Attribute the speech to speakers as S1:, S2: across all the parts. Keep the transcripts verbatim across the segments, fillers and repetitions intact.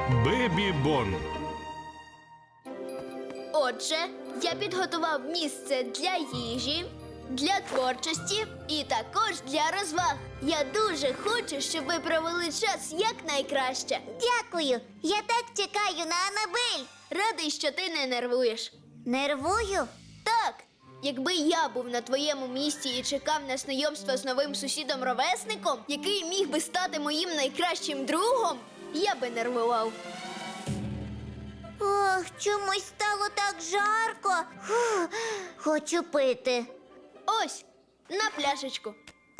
S1: Бебі-бон.
S2: Отже, я підготував місце для їжі, для творчості і також для розваг. Я дуже хочу, щоб ви провели час якнайкраще.
S3: Дякую. Я так чекаю на Анабель.
S2: Радий, що ти не нервуєш.
S3: Нервую?
S2: Так, якби я був на твоєму місці і чекав на знайомство з новим сусідом-ровесником, який міг би стати моїм найкращим другом, я би нервував.
S3: Ох, чомусь стало так жарко. Фух, хочу пити.
S2: Ось, на пляшечку.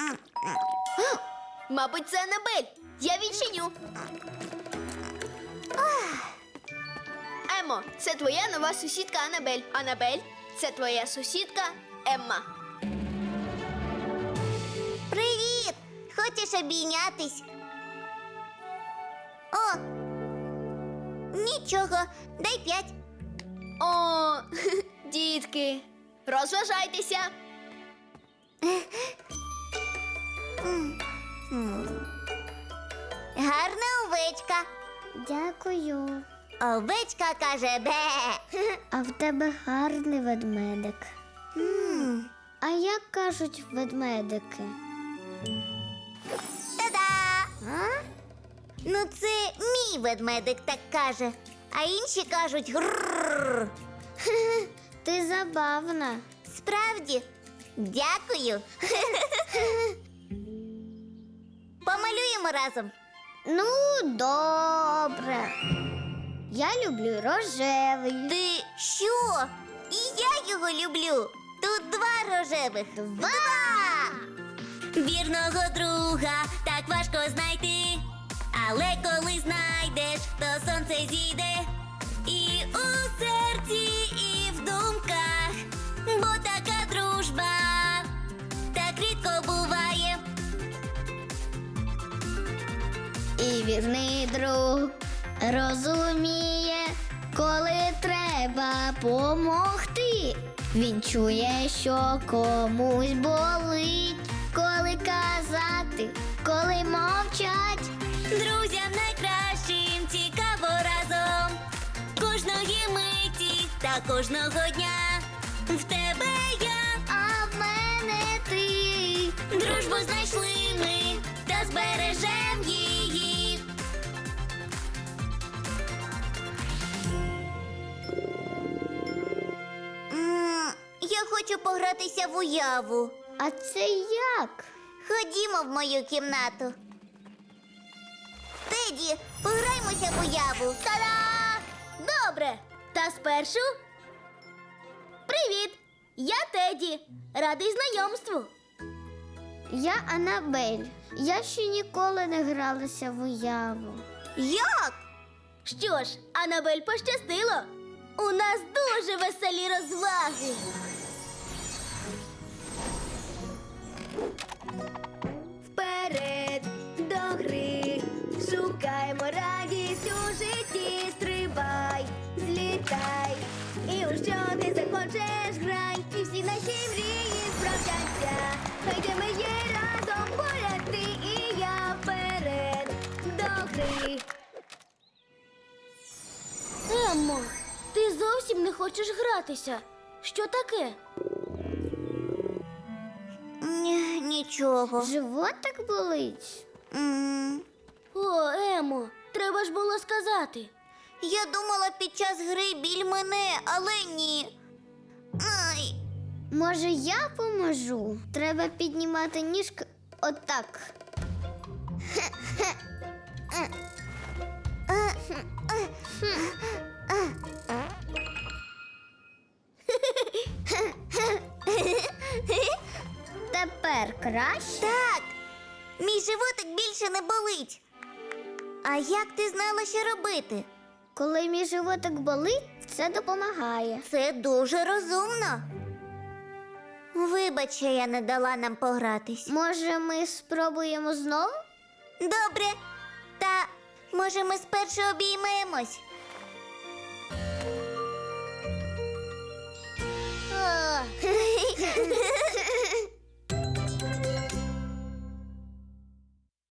S2: Мабуть, це Анабель. Я відчиню. Емо, це твоя нова сусідка Анабель. Анабель, це твоя сусідка Емма.
S3: Привіт! Хочеш обійнятись? О! Нічого, дай п'ять.
S2: О, дітки, розважайтеся.
S3: Гарна овечка.
S4: Дякую.
S3: Овечка каже бе.
S4: А в тебе гарний ведмедик.
S3: М,
S4: А як кажуть ведмедики?
S3: Та-да!
S4: А?
S3: Ну це мій ведмедик так каже. А інші кажуть грррр.
S4: Ти забавна.
S3: Справді? Дякую. Помалюємо разом.
S4: Ну, добре. Я люблю рожевий.
S3: Ти що? І я його люблю. Тут два рожевих. Два! Вірного друга так важко знайти. Але коли знайдеш, то сонце зійде. І у серці, і в думках. Бо така дружба так рідко буває.
S4: І вірний друг розуміє, коли треба помогти. Він чує, що комусь болить, коли казати, коли мовчать.
S3: Друзям найкращим цікаво разом. Кожної миті та кожного дня. В тебе я,
S4: А в мене ти.
S3: дружбу знайшли ми та збережем її. М, Я хочу погратися в уяву.
S4: А це як?
S3: Ходімо в мою кімнату. Теді, пограймося в уяву.
S2: Та-да! Добре! Та спершу. Привіт! Я Теді. Радий знайомству.
S4: Я Анабель. Я ще ніколи не гралася в уяву.
S3: Як?
S2: Що ж, Анабель пощастило. У нас дуже веселі розваги. Вперед до гри, шукаймо радість у житті, стрибай, злітай, і у що ти захочеш грай, і всі наші мрії справдяться, хай де ми є разом поряд ти і я, вперед до гри. Еммо, ти зовсім не хочеш гратися. Що таке?
S3: Ні, нічого.
S4: Животик болить?
S3: М,
S2: О, Емо, треба ж було сказати.
S3: Я думала під час гри біль мене, але ні. Ай.
S4: Може, я поможу? Треба піднімати ніжки отак. Тепер краще?
S3: Так, мій животик більше не болить. А як ти знала, що робити?
S4: Коли мій животик болить, це допомагає.
S3: Це дуже розумно. Вибач, що я не дала нам погратись.
S4: Може, ми спробуємо знову?
S3: Добре. Та може ми спершу обіймемось?